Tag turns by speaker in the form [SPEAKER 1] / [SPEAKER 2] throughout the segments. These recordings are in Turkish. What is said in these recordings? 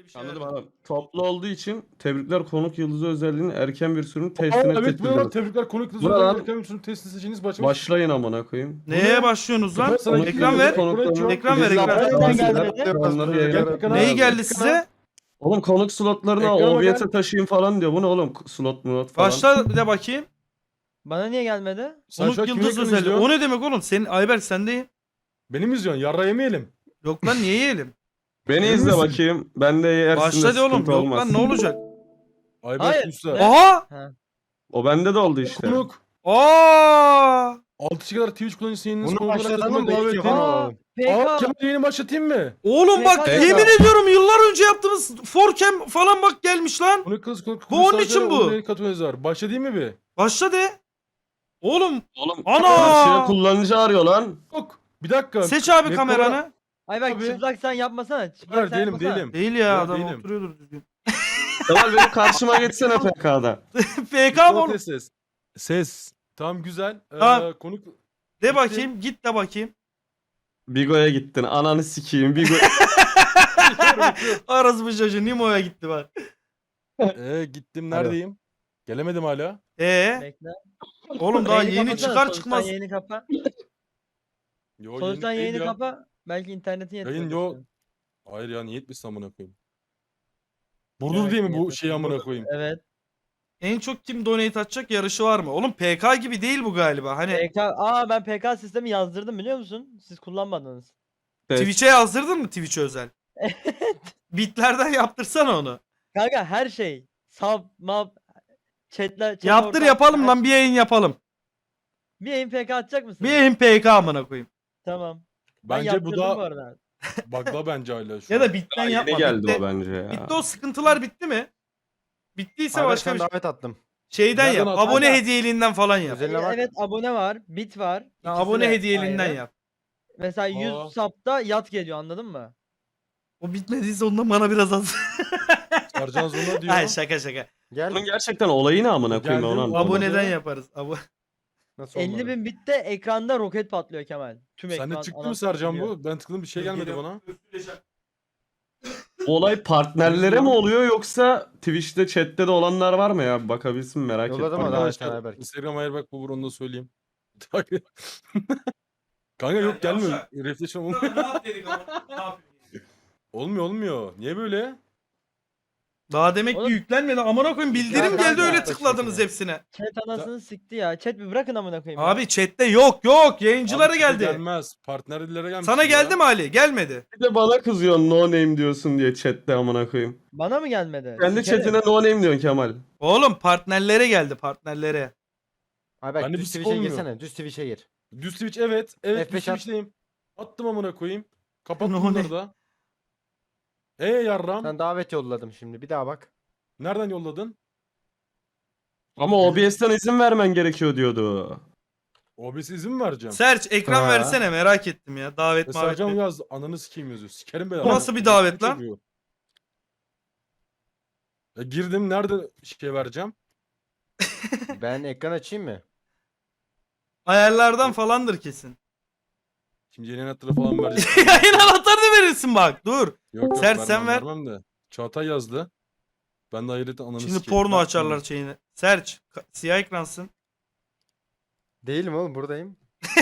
[SPEAKER 1] bir şey
[SPEAKER 2] Anladım
[SPEAKER 1] vermedi.
[SPEAKER 2] abi. Toplu olduğu için tebrikler konuk yıldızı özelliğinin erken bir sürümün
[SPEAKER 3] Aa,
[SPEAKER 2] testine
[SPEAKER 3] evet bu ne lan?
[SPEAKER 2] seçildiniz.
[SPEAKER 3] Tebrikler konuk kızı
[SPEAKER 2] Bu ne
[SPEAKER 3] özel
[SPEAKER 2] lan?
[SPEAKER 3] erken ünsünün testi seçeğiniz başlamış.
[SPEAKER 2] Başlayın amına koyayım.
[SPEAKER 1] Neye
[SPEAKER 3] ne?
[SPEAKER 1] başlıyorsunuz lan?
[SPEAKER 3] Ben sana
[SPEAKER 2] Konuk
[SPEAKER 1] Ekran
[SPEAKER 2] yıldızı
[SPEAKER 1] ver.
[SPEAKER 2] konuklarının
[SPEAKER 1] Ekran ver,
[SPEAKER 2] bizi
[SPEAKER 1] ekran.
[SPEAKER 2] yaptığı
[SPEAKER 4] Nereden
[SPEAKER 2] tavsiyeler,
[SPEAKER 4] geldi?
[SPEAKER 2] onları yayına
[SPEAKER 3] Gel ekrana.
[SPEAKER 1] Neyi geldi
[SPEAKER 3] Ekrana.
[SPEAKER 1] size?
[SPEAKER 2] Oğlum konuk slotlarına
[SPEAKER 3] Ekrana
[SPEAKER 2] OBS'e
[SPEAKER 3] gel.
[SPEAKER 2] taşıyın falan diyor. Bu ne oğlum? Slot mu falan.
[SPEAKER 1] Başla de bakayım.
[SPEAKER 4] Bana niye gelmedi?
[SPEAKER 3] Sen şu
[SPEAKER 1] Konuk
[SPEAKER 3] an kimin
[SPEAKER 1] yıldız
[SPEAKER 3] ekranı
[SPEAKER 1] özelliği.
[SPEAKER 3] izliyorsun?
[SPEAKER 1] O ne demek oğlum? Senin Ayberk sendeyim.
[SPEAKER 3] Benim izliyorsun. Yarra yemeyelim.
[SPEAKER 1] Yok lan niye yiyelim?
[SPEAKER 2] Beni
[SPEAKER 3] Emin
[SPEAKER 2] izle
[SPEAKER 3] misin?
[SPEAKER 2] bakayım. Ben de yersin de
[SPEAKER 1] Başla de oğlum.
[SPEAKER 2] sıkıntı
[SPEAKER 1] Yok
[SPEAKER 2] olmaz.
[SPEAKER 1] lan ne olacak?
[SPEAKER 3] Ayberk
[SPEAKER 4] Hayır.
[SPEAKER 3] Usta.
[SPEAKER 4] Ne?
[SPEAKER 1] Aha!
[SPEAKER 2] O bende de oldu işte.
[SPEAKER 3] Konuk.
[SPEAKER 1] Aa!
[SPEAKER 3] 6 kişi kadar Twitch kullanıcısı yayınınız
[SPEAKER 4] Bunu
[SPEAKER 3] konuklara
[SPEAKER 4] başlatalım
[SPEAKER 3] katılmayı
[SPEAKER 4] da
[SPEAKER 3] davet
[SPEAKER 4] ilk
[SPEAKER 3] edeyim.
[SPEAKER 4] defa
[SPEAKER 3] Aa,
[SPEAKER 4] alalım.
[SPEAKER 3] Kemal yayını başlatayım mı?
[SPEAKER 1] Oğlum bak
[SPEAKER 4] PK.
[SPEAKER 1] yemin ediyorum yıllar önce yaptığımız forcam falan bak gelmiş lan.
[SPEAKER 3] Konuk kız konuk
[SPEAKER 1] Bu onun
[SPEAKER 3] sadece
[SPEAKER 1] için bu.
[SPEAKER 3] onun yayını katılmanız var. Başlatayım mı bir?
[SPEAKER 1] Başla de. Oğlum
[SPEAKER 2] Oğlum
[SPEAKER 1] Ana!
[SPEAKER 2] karşıya kullanıcı arıyor lan.
[SPEAKER 3] Yok. Bir dakika.
[SPEAKER 1] seç abi
[SPEAKER 3] Mekko'da-
[SPEAKER 1] kameranı.
[SPEAKER 4] Ay bak
[SPEAKER 3] Tabii.
[SPEAKER 4] çıplak sen yapmasana. Çıplak
[SPEAKER 3] Hayır
[SPEAKER 4] sen
[SPEAKER 3] değilim
[SPEAKER 4] yapmasana.
[SPEAKER 3] değilim.
[SPEAKER 1] Değil ya
[SPEAKER 3] Yok,
[SPEAKER 1] adam
[SPEAKER 3] değilim.
[SPEAKER 1] oturuyordur düzgün.
[SPEAKER 2] Kemal benim karşıma geçsene PK'da.
[SPEAKER 1] PK mı oğlum?
[SPEAKER 3] Ses. Ses. Tamam güzel.
[SPEAKER 1] Tamam.
[SPEAKER 3] Konuk
[SPEAKER 1] De bakayım git de bakayım.
[SPEAKER 2] Bigo'ya gittin. Ananı sikeyim. Bigo...
[SPEAKER 1] Arası bu çocuğu Nimo'ya gitti bak.
[SPEAKER 3] gittim neredeyim? Gelemedim hala.
[SPEAKER 4] Bekle.
[SPEAKER 1] Oğlum daha
[SPEAKER 4] Yayını
[SPEAKER 1] yeni
[SPEAKER 4] kapatsana,
[SPEAKER 1] çıkar
[SPEAKER 4] soluktan
[SPEAKER 1] çıkmaz.
[SPEAKER 4] Yayını kapa.
[SPEAKER 3] Yo,
[SPEAKER 4] Soluktan
[SPEAKER 3] değil
[SPEAKER 4] yayını
[SPEAKER 3] ya.
[SPEAKER 4] kapa. Belki internetin yetmiyor.
[SPEAKER 3] Yayın yok. Hayır ya niye etmişsin amına koyayım. Burdur
[SPEAKER 4] Evet,
[SPEAKER 3] diye mi bu
[SPEAKER 4] niyet
[SPEAKER 3] şey amına koyayım?
[SPEAKER 4] Evet.
[SPEAKER 1] En çok kim donate atacak yarışı var mı? Oğlum PK gibi değil bu galiba. Hani
[SPEAKER 4] Ben PK sistemi yazdırdım biliyor musun? Siz kullanmadınız.
[SPEAKER 1] Twitch'e yazdırdın mı Twitch'e özel? Bitlerden yaptırsana onu.
[SPEAKER 4] Kanka her şey. Sub, map, chat
[SPEAKER 1] Yaptır
[SPEAKER 4] ortam,
[SPEAKER 1] yapalım
[SPEAKER 4] her
[SPEAKER 1] lan
[SPEAKER 4] şey.
[SPEAKER 1] bir yayın yapalım.
[SPEAKER 4] Bir yayın PK atacak mısın?
[SPEAKER 1] Bir yayın PK amına koyayım.
[SPEAKER 4] Tamam. Ben
[SPEAKER 3] Bence bu
[SPEAKER 4] yaptırdım bu
[SPEAKER 3] da
[SPEAKER 4] arada.
[SPEAKER 3] bug'da bence hala şu
[SPEAKER 1] Ya
[SPEAKER 3] an.
[SPEAKER 1] da bitten
[SPEAKER 2] Yeni
[SPEAKER 1] yapma.
[SPEAKER 2] geldi
[SPEAKER 1] Bitti.
[SPEAKER 2] o bence ya.
[SPEAKER 1] Bitti o sıkıntılar bitti mi? Bittiyse başka bir şey.
[SPEAKER 5] davet attım.
[SPEAKER 1] Şeyden
[SPEAKER 3] Nereden
[SPEAKER 1] yap.
[SPEAKER 3] attın?
[SPEAKER 1] Abone
[SPEAKER 4] Kanka.
[SPEAKER 1] hediyeliğinden falan yap.
[SPEAKER 5] Özeline bak.
[SPEAKER 4] Evet abone var. Bit var.
[SPEAKER 1] Ha,
[SPEAKER 4] İkisi
[SPEAKER 1] abone
[SPEAKER 4] de
[SPEAKER 1] hediyeliğinden
[SPEAKER 4] ayrı.
[SPEAKER 1] yap.
[SPEAKER 4] Mesela 100
[SPEAKER 3] Aa.
[SPEAKER 4] sub'da yat geliyor anladın mı?
[SPEAKER 1] O bitmediyse ondan bana biraz az.
[SPEAKER 3] Sercan Zona diyor.
[SPEAKER 1] Hayır şaka.
[SPEAKER 5] Gel.
[SPEAKER 2] Bunun gerçekten olayı ne amına koyayım ben
[SPEAKER 3] Geldim.
[SPEAKER 2] onu anlamadım.
[SPEAKER 1] Aboneden
[SPEAKER 3] Olmadı.
[SPEAKER 1] yaparız.
[SPEAKER 5] Nasıl olmadı?
[SPEAKER 4] 50.000 bitte ekranda roket patlıyor Kemal. Tüm ekran.
[SPEAKER 3] Sende çıktı mı
[SPEAKER 4] anasını
[SPEAKER 3] Sercan
[SPEAKER 4] satıyor.
[SPEAKER 3] bu? Ben tıkladım bir şey gelmedi bana.
[SPEAKER 2] Olay partnerlere mi oluyor yoksa Twitch'te chatte de olanlar var mı ya? Bakabilsin merak ettim.
[SPEAKER 5] Yolladım ama
[SPEAKER 3] Arkadaşlar
[SPEAKER 5] Ayberk.
[SPEAKER 3] Instagram Ayberk bu onu da söyleyeyim. Kanka yok gelmiyor. Reflection olmuyor. Olmuyor. Niye böyle?
[SPEAKER 1] Daha demek ki
[SPEAKER 4] Oğlum-
[SPEAKER 1] yüklenmedi. Amına koyayım bildirim
[SPEAKER 4] Ya
[SPEAKER 1] geldi
[SPEAKER 4] kanka,
[SPEAKER 1] öyle
[SPEAKER 5] başka
[SPEAKER 1] tıkladınız
[SPEAKER 5] şey.
[SPEAKER 1] hepsine.
[SPEAKER 4] Chat anasını sikti ya. Chat bir bırakın amına koyayım. ya.
[SPEAKER 1] Abi chatte yok. Yayıncılara
[SPEAKER 3] Abi size
[SPEAKER 1] geldi.
[SPEAKER 3] Gelmez. Partnerlere gelmiş.
[SPEAKER 1] Sana
[SPEAKER 3] ya.
[SPEAKER 1] geldi mi Ali? Gelmedi.
[SPEAKER 2] Bir de bana kızıyorsun no name diyorsun diye chatte amına koyayım.
[SPEAKER 4] Bana mı gelmedi?
[SPEAKER 2] Kendi
[SPEAKER 4] Sikerim.
[SPEAKER 2] chatine no name diyorsun Kemal.
[SPEAKER 1] Oğlum partnerlere geldi partnerlere.
[SPEAKER 5] Ayberk
[SPEAKER 3] Bende
[SPEAKER 5] düz
[SPEAKER 3] bir şey
[SPEAKER 5] Twitch'e
[SPEAKER 3] olmuyor.
[SPEAKER 5] girsene. Düz Twitch'e gir.
[SPEAKER 3] Düz Twitch evet. Evet
[SPEAKER 5] F5
[SPEAKER 3] düz
[SPEAKER 5] at.
[SPEAKER 3] Twitch'teyim. Attım amına koyayım. Kapattım
[SPEAKER 1] Ne o
[SPEAKER 3] bunları da. Yarram.
[SPEAKER 5] Ben davet yolladım şimdi. Bir daha bak.
[SPEAKER 3] Nereden yolladın?
[SPEAKER 2] Ama OBS'ten izin vermen gerekiyor diyordu.
[SPEAKER 3] OBS izin mi vereceğim?
[SPEAKER 1] Serç ekran
[SPEAKER 2] Ha.
[SPEAKER 1] versene merak ettim ya. Davet mavet.
[SPEAKER 3] Sercan
[SPEAKER 1] mi?
[SPEAKER 3] yaz. Ananı sikeyim yazıyor. Sikerim ben.
[SPEAKER 1] Bu nasıl bir davet lan?
[SPEAKER 3] Girdim. Nerede şey vereceğim?
[SPEAKER 5] Ben ekran açayım mı?
[SPEAKER 1] Ayarlardan falandır kesin.
[SPEAKER 3] Şimdi yeni anahtarı falan vereceğim.
[SPEAKER 1] Yayın anahtarını verirsin bak. Dur.
[SPEAKER 3] Yok
[SPEAKER 1] Sert,
[SPEAKER 3] vermem,
[SPEAKER 1] sen ver.
[SPEAKER 3] vermem de. Çağatay yazdı. Ben de hayretle ananı
[SPEAKER 1] Şimdi
[SPEAKER 3] sikeyim.
[SPEAKER 1] porno
[SPEAKER 3] Ben-
[SPEAKER 1] açarlar şeyini. Serç siyah ekransın.
[SPEAKER 5] Değilim oğlum buradayım.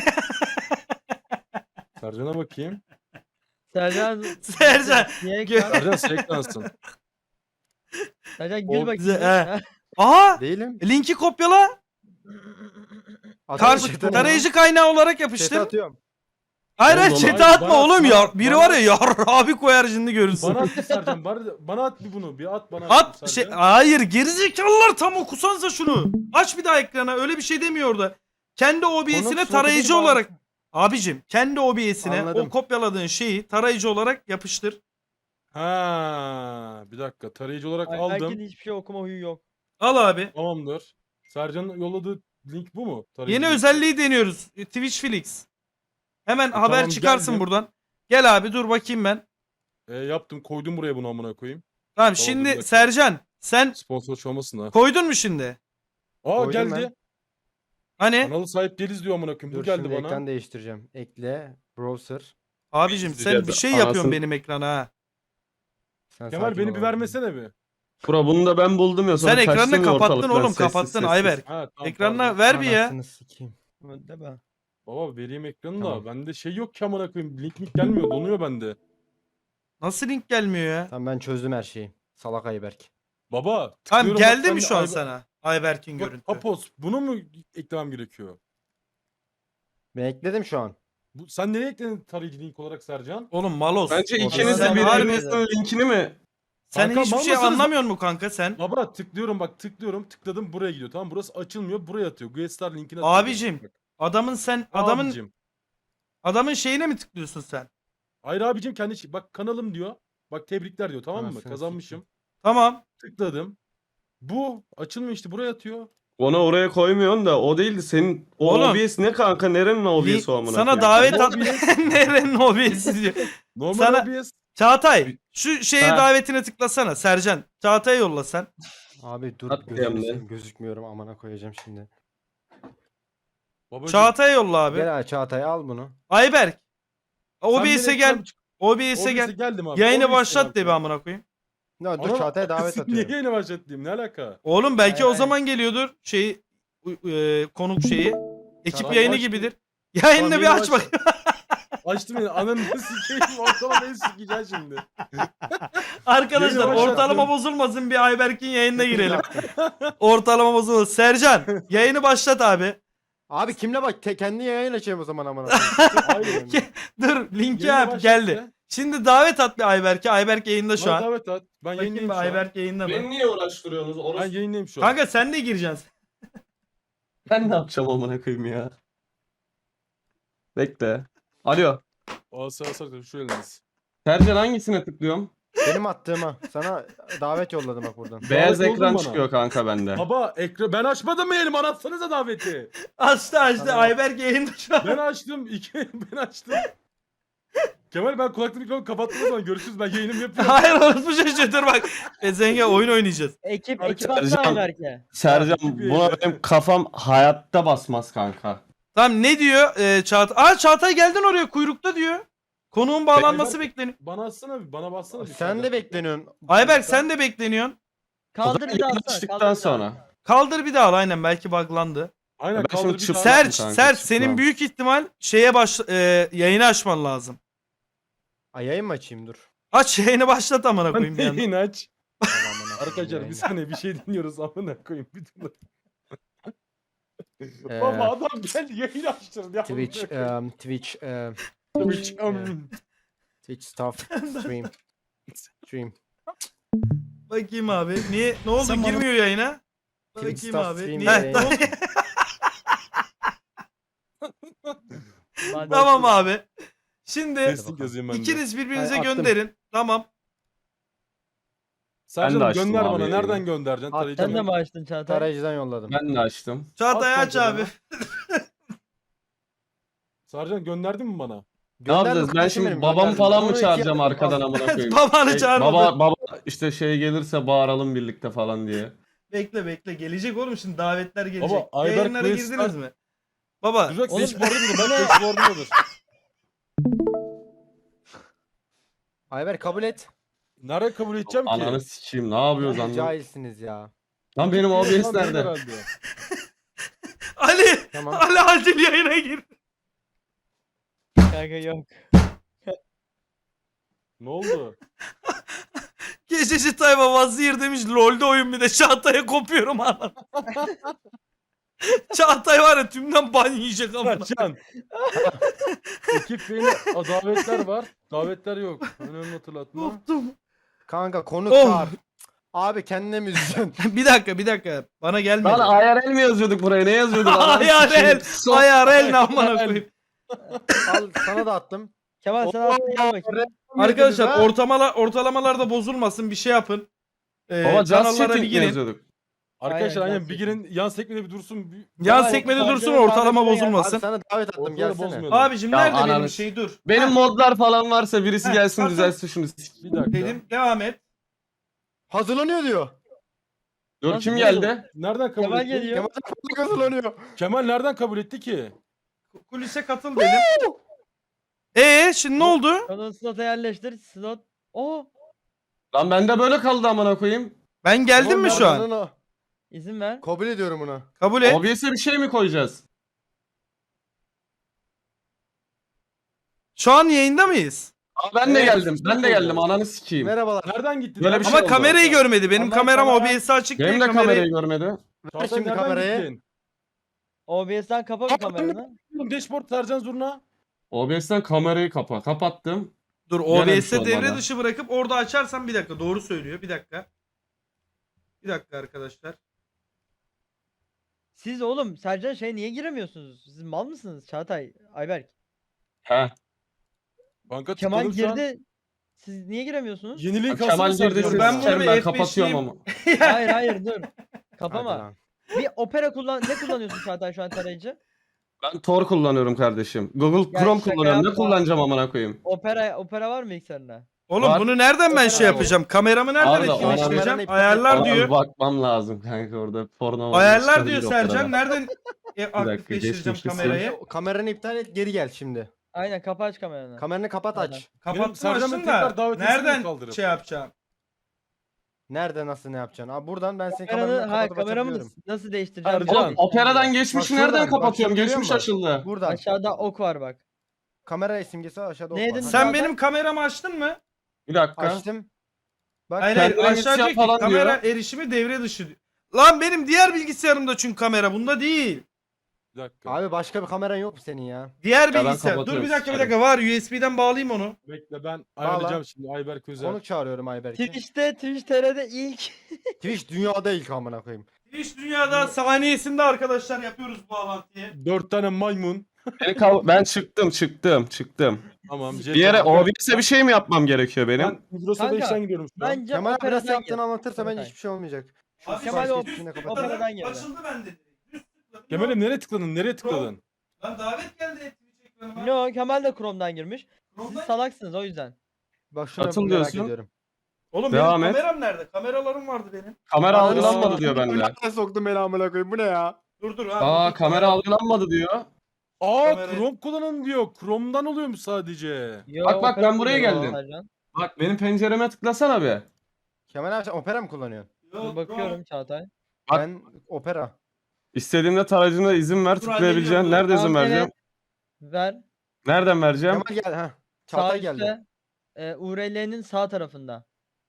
[SPEAKER 3] Sercan'a bakayım.
[SPEAKER 4] Sercan.
[SPEAKER 1] Sercan,
[SPEAKER 4] Niye
[SPEAKER 1] gö-
[SPEAKER 4] ekran?
[SPEAKER 3] Sercan seklansın.
[SPEAKER 4] Sercan
[SPEAKER 3] O
[SPEAKER 4] gül bakayım.
[SPEAKER 1] bize-
[SPEAKER 4] ya.
[SPEAKER 1] Aha!
[SPEAKER 5] Değilim.
[SPEAKER 1] Linki kopyala.
[SPEAKER 5] Atıyorum chat'e.
[SPEAKER 1] Tarayıcı kaynağı olarak
[SPEAKER 5] Chat'e
[SPEAKER 1] yapıştır.
[SPEAKER 5] atıyorum.
[SPEAKER 1] Hayır
[SPEAKER 2] Oğlum,
[SPEAKER 1] chat'e
[SPEAKER 3] hayır,
[SPEAKER 1] atma
[SPEAKER 3] bana-
[SPEAKER 1] oğlum ya.
[SPEAKER 3] bana-
[SPEAKER 1] Biri
[SPEAKER 3] bana-
[SPEAKER 1] var ya yar abi koyar şimdi görürsün.
[SPEAKER 3] Bana at bir Sercan. Bana at bir bunu. Bir at bana.
[SPEAKER 1] At
[SPEAKER 3] Sercan.
[SPEAKER 1] şey hayır gerizekalılar tam okusanıza şunu. Aç bir daha ekrana öyle bir şey demiyor orada. Kendi OBS'ine
[SPEAKER 5] Konuk
[SPEAKER 1] tarayıcı
[SPEAKER 5] slotu bir
[SPEAKER 1] olarak abicim kendi OBS'ine
[SPEAKER 5] Anladım.
[SPEAKER 1] o kopyaladığın şeyi tarayıcı olarak yapıştır.
[SPEAKER 3] Ha, bir dakika. Tarayıcı olarak
[SPEAKER 4] Ayberk'in
[SPEAKER 3] aldım.
[SPEAKER 4] hiçbir şey okuma huyu yok.
[SPEAKER 1] Al abi.
[SPEAKER 3] Tamamdır. Sercan'ın yolladığı link bu mu? Tarayıcı
[SPEAKER 1] Yeni
[SPEAKER 3] linki.
[SPEAKER 1] özelliği deniyoruz. Twitch Felix. Hemen haber
[SPEAKER 3] tamam,
[SPEAKER 1] çıkarsın
[SPEAKER 3] geldim.
[SPEAKER 1] buradan. Gel abi dur bakayım ben.
[SPEAKER 3] Yaptım. Koydum buraya bunu amına koyayım.
[SPEAKER 1] Tamam
[SPEAKER 3] dur
[SPEAKER 1] şimdi
[SPEAKER 3] bakayım.
[SPEAKER 1] Sercan sen
[SPEAKER 3] Sponsor olmasın ha.
[SPEAKER 1] koydun mu şimdi?
[SPEAKER 3] Aa
[SPEAKER 5] Koydum
[SPEAKER 3] geldi.
[SPEAKER 1] Hani?
[SPEAKER 3] Kanalı sahip değiliz diyor amına koyayım. Bu
[SPEAKER 5] Dur
[SPEAKER 3] geldi
[SPEAKER 5] şimdi
[SPEAKER 3] bana.
[SPEAKER 5] ekran değiştireceğim. Ekle. Browser.
[SPEAKER 1] Abicim sen
[SPEAKER 2] İzleyeceğiz.
[SPEAKER 1] bir şey yapıyorsun
[SPEAKER 2] Anasını-
[SPEAKER 1] benim ekrana ha.
[SPEAKER 5] Sen
[SPEAKER 3] Kemal
[SPEAKER 5] sakin
[SPEAKER 3] beni
[SPEAKER 5] ol
[SPEAKER 3] bir
[SPEAKER 5] abi.
[SPEAKER 3] vermesene bir.
[SPEAKER 2] Bura bunu da ben buldum ya. Sonra
[SPEAKER 1] Sen ekranı
[SPEAKER 2] kaçtım ya
[SPEAKER 1] kapattın
[SPEAKER 2] ortalıktan
[SPEAKER 1] oğlum,
[SPEAKER 2] sessiz
[SPEAKER 1] kapattın
[SPEAKER 2] sessiz.
[SPEAKER 1] Ayberk.
[SPEAKER 3] Ha, tamam,
[SPEAKER 1] Ekranına
[SPEAKER 3] pardon.
[SPEAKER 1] ver bir ya.
[SPEAKER 5] Anasını sikeyim.
[SPEAKER 4] Değil mi?
[SPEAKER 3] Baba vereyim ekranı
[SPEAKER 5] Tamam.
[SPEAKER 3] da. Bende şey yok ki amına koyayım. Link gelmiyor. Donuyor bende.
[SPEAKER 1] Nasıl link gelmiyor ya?
[SPEAKER 5] Tamam ben çözdüm her şeyi. Salak Ayberk.
[SPEAKER 3] Baba.
[SPEAKER 1] Tamam
[SPEAKER 3] tıklıyorum,
[SPEAKER 1] geldi
[SPEAKER 3] bak
[SPEAKER 1] mi
[SPEAKER 3] ben
[SPEAKER 1] şu an
[SPEAKER 3] Ayber-
[SPEAKER 1] sana Ayberk'in
[SPEAKER 3] Bak,
[SPEAKER 1] görüntü?
[SPEAKER 3] Papos bunu mu eklemem gerekiyor?
[SPEAKER 5] Ben ekledim şu an.
[SPEAKER 3] Sen nereye ekledin tarayıcı link olarak Sercan?
[SPEAKER 1] Oğlum malos.
[SPEAKER 2] Bence
[SPEAKER 5] Orada
[SPEAKER 2] ikiniz de
[SPEAKER 1] sen
[SPEAKER 2] birbirinizin linkini mi?
[SPEAKER 1] Sen
[SPEAKER 3] Kanka,
[SPEAKER 1] hiçbir
[SPEAKER 3] mal
[SPEAKER 1] şey
[SPEAKER 3] mısınız?
[SPEAKER 1] anlamıyor musun kanka sen?
[SPEAKER 3] Baba tıklıyorum bak tıkladım buraya gidiyor tamam burası açılmıyor buraya atıyor. Guestar linkine atıyor.
[SPEAKER 1] Abicim,
[SPEAKER 3] Bak,
[SPEAKER 1] Adamın sen adamın
[SPEAKER 3] abicim.
[SPEAKER 1] adamın şeyine mi tıklıyorsun sen?
[SPEAKER 3] Hayır abicim bak kanalım diyor. Bak tebrikler diyor tamam mı?
[SPEAKER 5] Anasını
[SPEAKER 3] Kazanmışım.
[SPEAKER 1] Tamam.
[SPEAKER 3] Tıkladım. Bu açılmıyor işte buraya atıyor.
[SPEAKER 2] Onu oraya koymuyorsun da o değildi. Senin o
[SPEAKER 1] Oğlum.
[SPEAKER 2] OBS ne kanka? Nerenin OBS o amına
[SPEAKER 1] Sana
[SPEAKER 2] koyayım?
[SPEAKER 1] davet
[SPEAKER 3] O
[SPEAKER 1] at. Nerenin OBS diyor.
[SPEAKER 3] Normal
[SPEAKER 1] Sana-
[SPEAKER 3] OBS.
[SPEAKER 1] Çağatay şu şeye
[SPEAKER 2] Ha.
[SPEAKER 1] davetine tıklasana Sercan. Çağatay'a yolla sen.
[SPEAKER 5] Abi dur
[SPEAKER 2] At
[SPEAKER 5] gözünü
[SPEAKER 2] diyeyim de.
[SPEAKER 5] seveyim, gözükmüyorum amına koyacağım şimdi.
[SPEAKER 3] Babacım,
[SPEAKER 1] Çağatay'a yolla abi.
[SPEAKER 5] Gel abi Çağatay al bunu.
[SPEAKER 1] Ayberk.
[SPEAKER 3] sen
[SPEAKER 1] OBS'e
[SPEAKER 3] beni
[SPEAKER 1] gel.
[SPEAKER 3] ekran-
[SPEAKER 1] OBS'e gel.
[SPEAKER 3] geldim abi.
[SPEAKER 1] Yayını
[SPEAKER 3] OBS'e
[SPEAKER 1] başlat de
[SPEAKER 3] geldim.
[SPEAKER 1] bir amına koyayım.
[SPEAKER 5] Ne dur
[SPEAKER 3] Ana-
[SPEAKER 5] Çağatay'a davet
[SPEAKER 3] Niye
[SPEAKER 5] atıyorum.
[SPEAKER 3] yayını başlatayım ne alaka?
[SPEAKER 1] Oğlum belki
[SPEAKER 4] Hayır,
[SPEAKER 1] o
[SPEAKER 4] hayır.
[SPEAKER 1] zaman geliyordur konuk şeyi. Ekip
[SPEAKER 5] Tamam,
[SPEAKER 1] yayını
[SPEAKER 3] açtım.
[SPEAKER 1] gibidir. Yayını
[SPEAKER 3] Tamam,
[SPEAKER 1] bir
[SPEAKER 3] yayını
[SPEAKER 1] aç bak.
[SPEAKER 3] Açtım yine ananı sikeyim ortalama beni sikeceksin şimdi.
[SPEAKER 1] Arkadaşlar
[SPEAKER 3] Yayını başlattım.
[SPEAKER 1] ortalama bozulmasın bir Ayberk'in yayınına girelim. Ortalama bozulmasın. Sercan yayını başlat abi.
[SPEAKER 5] Abi kimle bak kendi yayın açayım o zaman amına
[SPEAKER 3] Hayır.
[SPEAKER 1] Dur linki
[SPEAKER 3] Yayını
[SPEAKER 1] yap
[SPEAKER 3] başlat
[SPEAKER 1] geldi.
[SPEAKER 3] ya.
[SPEAKER 1] Şimdi davet at bir Ayberk'e. Ayberk yayında şu
[SPEAKER 3] Bana
[SPEAKER 1] an.
[SPEAKER 3] davet at. Ben
[SPEAKER 1] Bakayım
[SPEAKER 3] yayındayım
[SPEAKER 1] bir
[SPEAKER 3] şu an.
[SPEAKER 1] Ayberk yayında mı?
[SPEAKER 2] Beni niye uğraştırıyorsunuz?
[SPEAKER 3] Ben yayındayım şu an.
[SPEAKER 1] Kanka sen de gireceksin.
[SPEAKER 2] Ben ne yapacağım amına koyayım ya? Bekle. Alo.
[SPEAKER 3] Sağ şu eliniz.
[SPEAKER 2] Sercan hangisine tıklıyorum?
[SPEAKER 5] Benim attığıma. Sana davet yolladım bak buradan.
[SPEAKER 2] Beyaz
[SPEAKER 3] oldun
[SPEAKER 2] ekran
[SPEAKER 3] bana.
[SPEAKER 2] çıkıyor kanka bende.
[SPEAKER 3] Baba ben açmadım mı elimi anlatsanıza daveti.
[SPEAKER 1] Açtı
[SPEAKER 5] Tamam.
[SPEAKER 1] Ayberk yayında şu an.
[SPEAKER 3] Ben açtım. Ben açtım. Kemal ben kulaklık mikrofonu kapattım o zaman görüşürüz ben yayınımı yapıyorum.
[SPEAKER 1] Hayır orası şaşırtır bak. Zenge oyun oynayacağız.
[SPEAKER 4] Ekip
[SPEAKER 3] Sercan-
[SPEAKER 4] attı Ayberk'e.
[SPEAKER 2] Sercan
[SPEAKER 3] Gibi
[SPEAKER 2] buna
[SPEAKER 3] yani.
[SPEAKER 2] benim kafam hayatta basmaz kanka.
[SPEAKER 1] Tamam ne diyor Çağatay? Aa Çağatay geldin oraya kuyrukta diyor. Konuğun bağlanması
[SPEAKER 3] Ayberk-
[SPEAKER 1] bekleniyor.
[SPEAKER 3] Bana atsana bir bana bassana bir.
[SPEAKER 5] Sen de bekleniyorsun.
[SPEAKER 1] Ayberk sen de bekleniyorsun.
[SPEAKER 4] Kaldır bir daha
[SPEAKER 2] Yayın
[SPEAKER 4] atsana,
[SPEAKER 2] açtıktan
[SPEAKER 4] kaldır bir daha.
[SPEAKER 2] sonra.
[SPEAKER 1] Kaldır bir daha al aynen belki buglandı.
[SPEAKER 3] Aynen
[SPEAKER 2] Ben
[SPEAKER 3] kaldır
[SPEAKER 2] şimdi
[SPEAKER 3] bir
[SPEAKER 2] çıp-
[SPEAKER 3] tane.
[SPEAKER 1] Serç,
[SPEAKER 2] kanka,
[SPEAKER 1] Serç
[SPEAKER 2] çıkmam.
[SPEAKER 1] senin büyük ihtimal şeye yayını açman lazım.
[SPEAKER 5] Ay yayın mı açayım dur.
[SPEAKER 1] Aç yayını başlat amına koyayım bir
[SPEAKER 3] Sen
[SPEAKER 1] yandan.
[SPEAKER 3] yayın aç.
[SPEAKER 5] Allah'ım, amına
[SPEAKER 3] Arkadaşlar
[SPEAKER 5] koyayım
[SPEAKER 3] bir saniye bir şey dinliyoruz amına koyayım bir dur.
[SPEAKER 5] yayını.
[SPEAKER 3] Baba adam geldi yayın açtırdı ya.
[SPEAKER 5] Twitch, Twitch,
[SPEAKER 3] Twitch.
[SPEAKER 5] Twitch stuff, stream.
[SPEAKER 1] Bakayım abi. Niye? Ne oldu?
[SPEAKER 5] Sen bana-
[SPEAKER 1] Girmiyor yayına.
[SPEAKER 5] Twitch
[SPEAKER 1] Bakayım
[SPEAKER 5] stuff,
[SPEAKER 1] abi.
[SPEAKER 5] stream
[SPEAKER 1] Niye?
[SPEAKER 5] yayın.
[SPEAKER 1] Tamam.
[SPEAKER 4] Hadi.
[SPEAKER 1] Tamam abi. Şimdi
[SPEAKER 3] Testing yazayım ben de.
[SPEAKER 1] ikiniz birbirinize
[SPEAKER 5] Ay, attım.
[SPEAKER 1] gönderin. Tamam.
[SPEAKER 2] Ben de
[SPEAKER 3] Sercan
[SPEAKER 2] açtım
[SPEAKER 3] gönder
[SPEAKER 2] abi
[SPEAKER 3] bana
[SPEAKER 2] yayını.
[SPEAKER 3] nereden göndereceksin?
[SPEAKER 5] At,
[SPEAKER 3] Tarayıcı
[SPEAKER 4] Sen de
[SPEAKER 3] mı?
[SPEAKER 4] mi açtın Çağatay?
[SPEAKER 5] Tarayıcıdan yolladım.
[SPEAKER 2] Ben de açtım.
[SPEAKER 1] Çağatay
[SPEAKER 3] At
[SPEAKER 1] aç abi.
[SPEAKER 3] kontrolünü. Sercan gönderdin mi bana?
[SPEAKER 2] Ne
[SPEAKER 5] Gönderdim
[SPEAKER 2] yapacağız? Ben
[SPEAKER 5] kardeşim
[SPEAKER 2] şimdi
[SPEAKER 5] benim,
[SPEAKER 2] babamı
[SPEAKER 5] gönderdim.
[SPEAKER 2] falan mı
[SPEAKER 5] Onu iki-
[SPEAKER 2] çağıracağım arkadan amına koyayım?
[SPEAKER 1] Babanı
[SPEAKER 2] Şey,
[SPEAKER 1] çağırmadı.
[SPEAKER 2] baba işte şey gelirse bağıralım birlikte falan diye.
[SPEAKER 1] Bekle. Gelecek oğlum şimdi davetler gelecek.
[SPEAKER 3] Baba, Ayberk
[SPEAKER 1] Yayınlara
[SPEAKER 3] Quest-
[SPEAKER 1] girdiniz mi? Baba.
[SPEAKER 3] Durak
[SPEAKER 4] Oğlum-
[SPEAKER 3] dashboard'udur bak dashboard'udur.
[SPEAKER 5] Ayber kabul et.
[SPEAKER 3] Nerede kabul edeceğim ki?
[SPEAKER 2] Ananı sikeyim ne yapıyoruz anlam.
[SPEAKER 5] Cahilsiniz ya.
[SPEAKER 2] Lan benim OBS
[SPEAKER 3] Lan
[SPEAKER 2] nerede?
[SPEAKER 3] herhalde.
[SPEAKER 1] Ali.
[SPEAKER 5] Tamam.
[SPEAKER 1] Ali acil yayına gir.
[SPEAKER 4] Kanka yok.
[SPEAKER 3] Ne oldu?
[SPEAKER 1] Gececi Tayfa Vazir demiş LoL'de oyun bir de Çağatay'a kopuyorum anam. Çağatay var ya tümden ban yiyecek ama.
[SPEAKER 3] Sercan. Ekip beni davetler var. Davetler yok. Önemli hatırlatma.
[SPEAKER 1] Koptum.
[SPEAKER 5] Kanka konuk
[SPEAKER 1] Oh.
[SPEAKER 5] çağır. Abi kendine mi üzeceksin?
[SPEAKER 1] bir dakika. Bana gelmedi.
[SPEAKER 2] Lan IRL mi yazıyorduk buraya? Ne yazıyorduk? Ananı
[SPEAKER 1] IRL.
[SPEAKER 2] sikeyim. Sok.
[SPEAKER 1] IRL ne amına koyayım.
[SPEAKER 5] Al sana da attım.
[SPEAKER 4] Kemal sen attın gel bakayım.
[SPEAKER 1] Arkadaşlar
[SPEAKER 5] Ha?
[SPEAKER 1] ortalamalarda bozulmasın bir şey yapın.
[SPEAKER 2] Baba just
[SPEAKER 1] Kanallara bir
[SPEAKER 2] chatting mi
[SPEAKER 1] girin.
[SPEAKER 2] yazıyorduk?
[SPEAKER 3] Arkadaşlar
[SPEAKER 4] Aynen,
[SPEAKER 3] aynen bir girin yan sekmede bir dursun.
[SPEAKER 1] Yan
[SPEAKER 4] Kemal,
[SPEAKER 1] sekmede
[SPEAKER 4] Kemal,
[SPEAKER 1] dursun
[SPEAKER 4] Kemal,
[SPEAKER 1] ortalama
[SPEAKER 4] Kemal,
[SPEAKER 5] Abi
[SPEAKER 1] bozulmasın.
[SPEAKER 5] sana davet attım
[SPEAKER 3] Ortalığı
[SPEAKER 5] gelsene.
[SPEAKER 3] bozmayalım.
[SPEAKER 1] Abicim
[SPEAKER 2] Ya
[SPEAKER 1] nerede benim
[SPEAKER 2] ananı-
[SPEAKER 1] şey dur.
[SPEAKER 2] Benim modlar falan varsa birisi gelsin
[SPEAKER 1] atın.
[SPEAKER 2] düzelsin şunu.
[SPEAKER 3] Bir dakika.
[SPEAKER 1] Dedim devam et.
[SPEAKER 5] Hazırlanıyor diyor.
[SPEAKER 2] Dur
[SPEAKER 4] Nasıl
[SPEAKER 2] kim
[SPEAKER 4] bu?
[SPEAKER 2] geldi?
[SPEAKER 3] Nereden kabul
[SPEAKER 4] Kemal
[SPEAKER 3] etti?
[SPEAKER 4] geliyor.
[SPEAKER 5] Kemal Kemal hazırlanıyor.
[SPEAKER 3] Kemal nereden kabul etti ki?
[SPEAKER 1] Kulise katıl dedim. Şimdi ne oldu?
[SPEAKER 4] Onu slota yerleştir. Slot. Oo.
[SPEAKER 2] Lan bende böyle kaldı amına koyayım.
[SPEAKER 1] Ben geldim mi şu an?
[SPEAKER 5] an?
[SPEAKER 4] İzin ver.
[SPEAKER 5] Kabul ediyorum bunu.
[SPEAKER 1] Kabul et.
[SPEAKER 2] OBS'e bir şey mi koyacağız?
[SPEAKER 1] Şu an yayında mıyız?
[SPEAKER 2] Aa, ben de
[SPEAKER 5] Evet,
[SPEAKER 2] geldim. Ben de geldim. Ananı sikeyim.
[SPEAKER 5] Merhabalar.
[SPEAKER 3] Nereden gittin?
[SPEAKER 2] Böyle bir şey
[SPEAKER 1] Ama
[SPEAKER 2] oldu.
[SPEAKER 1] kamerayı görmedi. Benim
[SPEAKER 4] Ama
[SPEAKER 1] kameram
[SPEAKER 4] kamera-
[SPEAKER 1] OBS'i açık
[SPEAKER 2] Benim
[SPEAKER 1] değil.
[SPEAKER 2] de kamerayı görmedi.
[SPEAKER 5] Ver şimdi kamerayı.
[SPEAKER 4] OBS'den kapa bir kameranı.
[SPEAKER 3] Dashboard Sercan Zurna.
[SPEAKER 2] OBS'ten kamerayı kapa. Kapattım.
[SPEAKER 1] Dur
[SPEAKER 2] Gene bir şey
[SPEAKER 1] OBS'e devre
[SPEAKER 2] olmadı.
[SPEAKER 1] dışı bırakıp orada açarsam bir dakika. Doğru söylüyor. Bir dakika. Bir dakika arkadaşlar.
[SPEAKER 4] Siz oğlum Sercan niye giremiyorsunuz? Siz mal mısınız Çağatay, Ayberk?
[SPEAKER 2] He.
[SPEAKER 3] Banka
[SPEAKER 4] Kemal
[SPEAKER 3] tıkladım şu an.
[SPEAKER 4] girdi. Siz niye giremiyorsunuz?
[SPEAKER 3] Yeniliğin
[SPEAKER 2] Kemal
[SPEAKER 3] kasını
[SPEAKER 2] girdi
[SPEAKER 3] Sercan.
[SPEAKER 2] siz
[SPEAKER 1] Ben
[SPEAKER 2] sikerim,
[SPEAKER 1] bunu
[SPEAKER 2] ben
[SPEAKER 1] bir
[SPEAKER 2] kapatıyorum
[SPEAKER 1] F5'liyim.
[SPEAKER 2] ama.
[SPEAKER 4] Hayır hayır dur.
[SPEAKER 5] Hadi
[SPEAKER 4] Kapama.
[SPEAKER 5] lan.
[SPEAKER 4] Bir opera ne kullanıyorsun Çağatay şu an tarayıcı?
[SPEAKER 2] Ben Tor kullanıyorum kardeşim. Google
[SPEAKER 4] Ya
[SPEAKER 2] Chrome
[SPEAKER 4] şaka
[SPEAKER 2] kullanıyorum. Ne
[SPEAKER 4] yapma.
[SPEAKER 2] kullanacağım amına koyayım?
[SPEAKER 4] Opera var mı bilgisayarında?
[SPEAKER 1] Oğlum
[SPEAKER 2] Var.
[SPEAKER 1] bunu nereden ben şey
[SPEAKER 4] Var.
[SPEAKER 1] yapacağım? Kameramı nereden
[SPEAKER 2] Arda,
[SPEAKER 1] etkileştireceğim?
[SPEAKER 5] kameranı
[SPEAKER 1] Ayarlar
[SPEAKER 2] Ona
[SPEAKER 1] diyor.
[SPEAKER 2] bir bakmam lazım kanka orada porno var.
[SPEAKER 1] Ayarlar
[SPEAKER 2] çıkabilir
[SPEAKER 1] diyor
[SPEAKER 2] o
[SPEAKER 1] Sercan.
[SPEAKER 2] sırada.
[SPEAKER 1] Nereden
[SPEAKER 2] dakika,
[SPEAKER 1] aktifleştireceğim
[SPEAKER 2] geçmişte
[SPEAKER 1] kamerayı?
[SPEAKER 5] Kameranı iptal et geri gel şimdi.
[SPEAKER 4] Aynen kapa aç kameranı.
[SPEAKER 5] Kameranı kapat
[SPEAKER 4] Aynen.
[SPEAKER 5] aç.
[SPEAKER 1] Kapattım
[SPEAKER 3] Sercan'ın
[SPEAKER 1] açtım
[SPEAKER 3] tekrar
[SPEAKER 1] da.
[SPEAKER 3] davet etsene
[SPEAKER 1] Nereden
[SPEAKER 3] kaldırıp.
[SPEAKER 1] şey yapacağım?
[SPEAKER 5] Nerede nasıl ne yapacaksın? Abi buradan ben senin
[SPEAKER 4] Kameranı,
[SPEAKER 5] kameranı kapatıp
[SPEAKER 4] kameramı
[SPEAKER 5] açabiliyorum.
[SPEAKER 4] nasıl değiştireceğim?
[SPEAKER 3] Sercan.
[SPEAKER 2] Oğlum operadan geçmişi
[SPEAKER 5] Bak şuradan,
[SPEAKER 2] nereden
[SPEAKER 5] bak
[SPEAKER 2] kapatıyorum?
[SPEAKER 5] şunu görüyor
[SPEAKER 2] Geçmiş
[SPEAKER 5] musun?
[SPEAKER 2] açıldı.
[SPEAKER 5] Buradan.
[SPEAKER 4] Aşağıda ok var bak.
[SPEAKER 5] Kamera simgesi var, aşağıda ok
[SPEAKER 4] Neydi?
[SPEAKER 5] var. Hadi.
[SPEAKER 1] Sen
[SPEAKER 4] Zaten-
[SPEAKER 1] benim kameramı açtın mı?
[SPEAKER 2] Bir dakika.
[SPEAKER 5] Açtım. Bak
[SPEAKER 1] Hayır hayır
[SPEAKER 2] Kendine
[SPEAKER 1] aşağı
[SPEAKER 2] geçeceğim
[SPEAKER 1] diyor ki
[SPEAKER 2] falan
[SPEAKER 1] kamera
[SPEAKER 2] diyor.
[SPEAKER 1] erişimi devre dışı diyor. Lan benim diğer bilgisayarımda çünkü kamera bunda değil.
[SPEAKER 3] Bir dakika.
[SPEAKER 5] abi başka bir kameran yok mu senin ya?
[SPEAKER 1] Diğer
[SPEAKER 2] ben
[SPEAKER 1] bilgisayar. Dur
[SPEAKER 2] kapatıyorum,
[SPEAKER 1] bir dakika bir
[SPEAKER 2] sikerim.
[SPEAKER 1] dakika var USB'den bağlayayım onu.
[SPEAKER 3] Bekle ben ayarlayacağım şimdi Ayberk Özel.
[SPEAKER 5] Konuk çağırıyorum Ayberk'i.
[SPEAKER 4] Twitch TR'de ilk.
[SPEAKER 5] Twitch dünyada ilk amına koyayım.
[SPEAKER 1] Twitch dünyada saniyesinde arkadaşlar yapıyoruz bu bağlantıyı.
[SPEAKER 3] 4 tane maymun.
[SPEAKER 2] Ben çıktım.
[SPEAKER 3] Tamam.
[SPEAKER 2] Bir yere OBS'e bir şey mi yapmam gerekiyor benim?
[SPEAKER 3] Ben Migros'a
[SPEAKER 4] Kanka,
[SPEAKER 3] 5'ten gidiyorum şu an.
[SPEAKER 4] Bence
[SPEAKER 5] Kemal abi nasıl
[SPEAKER 4] operadan
[SPEAKER 5] yaptığını
[SPEAKER 4] gir.
[SPEAKER 5] anlatırsa bence
[SPEAKER 4] Kemal.
[SPEAKER 5] hiçbir şey olmayacak. Şu
[SPEAKER 1] Abi,
[SPEAKER 4] Kemal
[SPEAKER 5] sipariş
[SPEAKER 4] o-
[SPEAKER 5] geçtiğine kapat.
[SPEAKER 4] opera- Operadan girdi.
[SPEAKER 1] Açıldı bende. Düz tıkladım.
[SPEAKER 3] Kemal'im nereye tıkladın? Nereye tıkladın?
[SPEAKER 1] Lan davet geldi Twitch ekranıma.
[SPEAKER 4] No Kemal de Chrome'dan girmiş. Siz
[SPEAKER 1] Chrome'dan-
[SPEAKER 4] salaksınız o yüzden.
[SPEAKER 5] Bak şuna
[SPEAKER 2] Atıl
[SPEAKER 5] merak
[SPEAKER 2] diyorsun.
[SPEAKER 5] ediyorum.
[SPEAKER 1] Oğlum
[SPEAKER 2] Devam
[SPEAKER 1] benim
[SPEAKER 2] et.
[SPEAKER 1] kameram nerede? Kameralarım vardı benim.
[SPEAKER 2] Kamera
[SPEAKER 5] Aa,
[SPEAKER 2] algılanmadı diyor bende.
[SPEAKER 5] Ben soktum beni amına koyayım bu ne ya?
[SPEAKER 1] Dur
[SPEAKER 2] Aa kamera algılanmadı diyor.
[SPEAKER 3] Aa
[SPEAKER 1] Kamera-
[SPEAKER 3] Chrome kullanın diyor. Chrome'dan oluyormuş sadece.
[SPEAKER 4] Yo,
[SPEAKER 2] Bak,
[SPEAKER 4] opera
[SPEAKER 2] ben buraya
[SPEAKER 4] kullanıyor
[SPEAKER 2] geldim.
[SPEAKER 4] Sercan.
[SPEAKER 2] Bak benim pencereme tıklasana bir.
[SPEAKER 5] Kemal abi sen opera mı kullanıyorsun?
[SPEAKER 4] Dur bakıyorum Çağatay.
[SPEAKER 2] Bak.
[SPEAKER 5] Ben opera.
[SPEAKER 2] İstediğimde tarayıcına izin ver
[SPEAKER 1] Dur,
[SPEAKER 2] tıklayabileceğin.
[SPEAKER 1] hallediyorum.
[SPEAKER 2] Nerede izin
[SPEAKER 4] Tamam,
[SPEAKER 2] vereceğim?
[SPEAKER 4] Ver.
[SPEAKER 2] Nereden vereceğim?
[SPEAKER 5] Kemal gel ha.
[SPEAKER 4] Sağ
[SPEAKER 5] Çağatay geldi.
[SPEAKER 4] üstte. URL'nin sağ tarafında.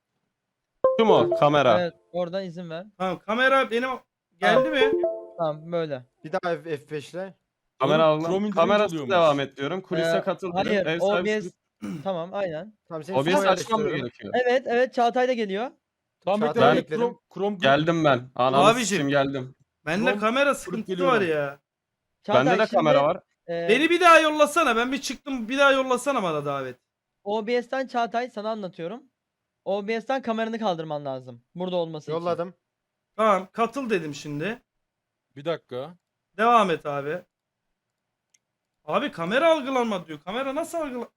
[SPEAKER 2] Şu mu? Kamera.
[SPEAKER 4] Evet oradan izin ver.
[SPEAKER 1] Tamam kamera benim geldi mi?
[SPEAKER 4] Tamam böyle.
[SPEAKER 5] Bir daha F5'le.
[SPEAKER 2] Kamera
[SPEAKER 3] Oğlum, Chrome
[SPEAKER 2] algılan.
[SPEAKER 3] indirince
[SPEAKER 2] Kamerası
[SPEAKER 3] oluyormuş.
[SPEAKER 2] devam et diyorum. Kulise
[SPEAKER 4] Ee,
[SPEAKER 2] katıl
[SPEAKER 4] Hayır
[SPEAKER 2] diyorum. Ev sahibi
[SPEAKER 4] OBS. Tamam aynen.
[SPEAKER 5] Tamam seni
[SPEAKER 2] OBS
[SPEAKER 5] sumo
[SPEAKER 2] açmam mı
[SPEAKER 5] yerleştiriyorum.
[SPEAKER 2] gerekiyor?
[SPEAKER 4] Evet Çağatay da geliyor.
[SPEAKER 3] Tamam bekle
[SPEAKER 5] Çağatay
[SPEAKER 3] ben
[SPEAKER 5] ekledim.
[SPEAKER 3] Chrome
[SPEAKER 2] Geldim ben. Ananı
[SPEAKER 1] Abicim.
[SPEAKER 2] sikeyim geldim.
[SPEAKER 1] Bende
[SPEAKER 3] Chrome
[SPEAKER 1] kamera sıkıntısı
[SPEAKER 3] geliyorum.
[SPEAKER 1] var ya.
[SPEAKER 4] Çağatay,
[SPEAKER 2] Bende de
[SPEAKER 4] şimdi,
[SPEAKER 2] kamera var.
[SPEAKER 1] Beni bir daha yollasana. Ben bir çıktım. Bir daha yollasana bana davet.
[SPEAKER 4] OBS'ten Çağatay sana anlatıyorum. OBS'ten kameranı kaldırman lazım. Burada olması için.
[SPEAKER 5] Yolladım.
[SPEAKER 1] Tamam katıl dedim şimdi.
[SPEAKER 3] Bir dakika.
[SPEAKER 1] Devam et abi. Abi kamera algılanma diyor. Kamera nasıl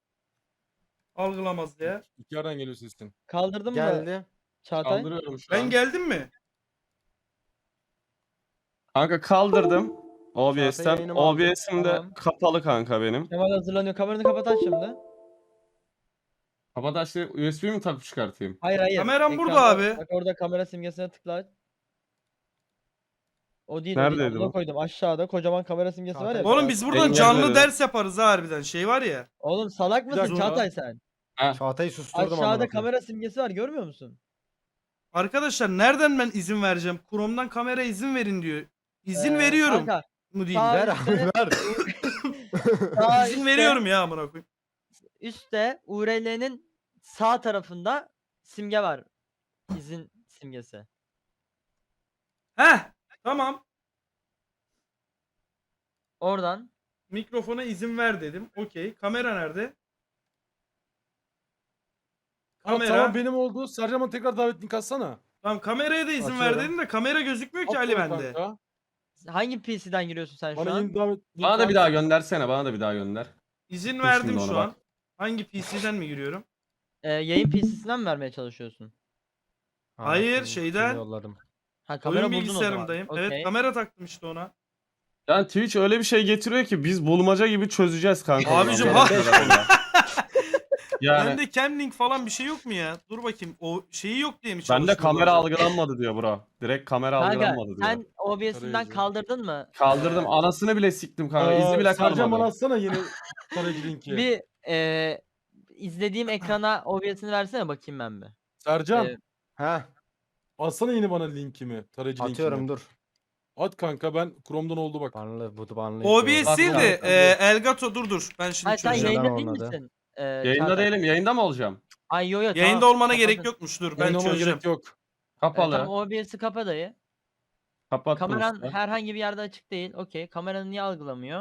[SPEAKER 1] algılamaz ya?
[SPEAKER 3] İki yerden geliyor sesin.
[SPEAKER 4] Kaldırdın mı
[SPEAKER 5] Geldi.
[SPEAKER 4] Çağatay?
[SPEAKER 2] Kaldırıyorum şu
[SPEAKER 1] Ben
[SPEAKER 2] an.
[SPEAKER 1] geldim mi?
[SPEAKER 2] Kanka kaldırdım.
[SPEAKER 5] Çağatay
[SPEAKER 2] OBS'ten.
[SPEAKER 5] yayınımı aldı.
[SPEAKER 2] OBS'im de
[SPEAKER 4] Tamam.
[SPEAKER 2] kapalı kanka benim.
[SPEAKER 4] Kemal hazırlanıyor. Kameranı kapat aç şimdi.
[SPEAKER 2] Kapat açtı. USB mi takıp çıkartayım?
[SPEAKER 4] Hayır.
[SPEAKER 1] Kameram burada
[SPEAKER 4] Ekranda-
[SPEAKER 1] abi.
[SPEAKER 4] Bak orada kamera simgesine tıkla. O değil.
[SPEAKER 2] Neredeydi
[SPEAKER 4] Neredeydi
[SPEAKER 2] bu?
[SPEAKER 4] koydum. Aşağıda kocaman kamera simgesi var ya.
[SPEAKER 5] Çağatay-
[SPEAKER 1] Oğlum biz buradan
[SPEAKER 2] Engelleri.
[SPEAKER 1] canlı ders yaparız ha harbiden. Şey var ya.
[SPEAKER 4] Oğlum salak mısın
[SPEAKER 1] dakika.
[SPEAKER 4] Çağatay sen?
[SPEAKER 5] Çağatay'ı susturdum amına
[SPEAKER 4] Aşağıda
[SPEAKER 5] koyayım.
[SPEAKER 4] kamera simgesi var görmüyor musun?
[SPEAKER 1] Arkadaşlar nereden ben izin vereceğim? Chrome'dan kamera izin verin diyor. İzin
[SPEAKER 4] Ee,
[SPEAKER 1] veriyorum.
[SPEAKER 4] Kanka,
[SPEAKER 1] Mu değil.
[SPEAKER 4] sağ-
[SPEAKER 5] Ver abi ver.
[SPEAKER 4] sağ
[SPEAKER 1] İzin
[SPEAKER 4] üstte-
[SPEAKER 1] veriyorum ya amına koyayım.
[SPEAKER 4] Üstte URL'nin sağ tarafında simge var. İzin simgesi.
[SPEAKER 1] Heh. Tamam.
[SPEAKER 4] Oradan
[SPEAKER 1] Mikrofona izin ver dedim. Okey. Kamera nerede? Kamera.
[SPEAKER 3] Tamam benim oldu. Sercan bana tekrar davet link atsana.
[SPEAKER 1] Tamam kameraya da izin ver
[SPEAKER 5] Açıyorum.
[SPEAKER 1] dedim de kamera gözükmüyor ki Ali
[SPEAKER 3] Atıyorum
[SPEAKER 1] bende.
[SPEAKER 3] kanka.
[SPEAKER 4] hangi PC'den giriyorsun sen şu
[SPEAKER 3] Bana
[SPEAKER 4] an?
[SPEAKER 3] yeni davet link
[SPEAKER 2] Bana da
[SPEAKER 3] at.
[SPEAKER 2] bir daha göndersene. Bana da bir daha gönder.
[SPEAKER 1] İzin
[SPEAKER 2] Dur
[SPEAKER 1] verdim
[SPEAKER 2] şimdi ona
[SPEAKER 1] şu
[SPEAKER 2] bak.
[SPEAKER 1] an. Hangi PC'den mi giriyorum?
[SPEAKER 4] Yayın PC'sinden mi vermeye çalışıyorsun?
[SPEAKER 1] Hayır,
[SPEAKER 5] şimdi
[SPEAKER 1] şeyden.
[SPEAKER 5] yolladım.
[SPEAKER 4] Ha kamera
[SPEAKER 1] Oyun
[SPEAKER 4] buldun o zaman.
[SPEAKER 1] bilgisayarımdayım. Evet
[SPEAKER 4] Okey.
[SPEAKER 1] kamera taktım işte ona.
[SPEAKER 2] Yani Twitch öyle bir şey getiriyor ki biz bulmaca gibi çözeceğiz kanka.
[SPEAKER 1] Abicim,
[SPEAKER 2] Ondan
[SPEAKER 1] ha-
[SPEAKER 2] sonra. Yani
[SPEAKER 1] Bende Camlink falan bir şey yok mu ya? Dur bakayım. O şeyi yok diye mi
[SPEAKER 2] bende
[SPEAKER 1] çalışmıyor
[SPEAKER 2] kamera
[SPEAKER 1] bazen?
[SPEAKER 2] algılanmadı diyor bro. Direkt kamera
[SPEAKER 4] Kanka
[SPEAKER 2] algılanmadı diyor.
[SPEAKER 4] sen OBS'inden
[SPEAKER 3] Tarayıcı.
[SPEAKER 4] kaldırdın mı?
[SPEAKER 2] Kaldırdım anasını bile siktim kanka. İzi bile
[SPEAKER 3] Sercan bana
[SPEAKER 2] kalmadı.
[SPEAKER 3] atsana yeni tarayıcı linki.
[SPEAKER 4] Bir izlediğim ekrana OBS'ini versene bakayım ben bir.
[SPEAKER 3] Sercan
[SPEAKER 4] Ee,
[SPEAKER 5] Ha,
[SPEAKER 3] atsana yeni bana linkimi. Tarayıcı
[SPEAKER 5] atıyorum
[SPEAKER 3] linkimi.
[SPEAKER 5] dur.
[SPEAKER 3] At kanka ben Chrome'dan oldu bak.
[SPEAKER 5] Banlı, bu banlı.
[SPEAKER 1] OBS
[SPEAKER 2] Bak,
[SPEAKER 1] değil
[SPEAKER 2] bak,
[SPEAKER 1] de
[SPEAKER 3] bak.
[SPEAKER 1] Elgato dur. Ben şimdi
[SPEAKER 4] hayır sen
[SPEAKER 1] çözeceğim.
[SPEAKER 4] yayında değil
[SPEAKER 5] olmadı.
[SPEAKER 4] misin?
[SPEAKER 2] Yayında
[SPEAKER 4] Çağatay?
[SPEAKER 2] değilim. Yayında mı olacağım?
[SPEAKER 4] Ay yo
[SPEAKER 1] Yayında
[SPEAKER 4] tamam.
[SPEAKER 1] olmana gerek
[SPEAKER 4] Kapadın.
[SPEAKER 1] yokmuş. Dur ben
[SPEAKER 3] Yayın olmana
[SPEAKER 1] çözeceğim.
[SPEAKER 3] gerek yok.
[SPEAKER 2] Kapalı.
[SPEAKER 4] Tamam OBS'i kapa dayı.
[SPEAKER 2] Kapattım
[SPEAKER 4] Kameran
[SPEAKER 2] işte.
[SPEAKER 4] herhangi bir yerde açık değil. Okey. Kameranı niye algılamıyor?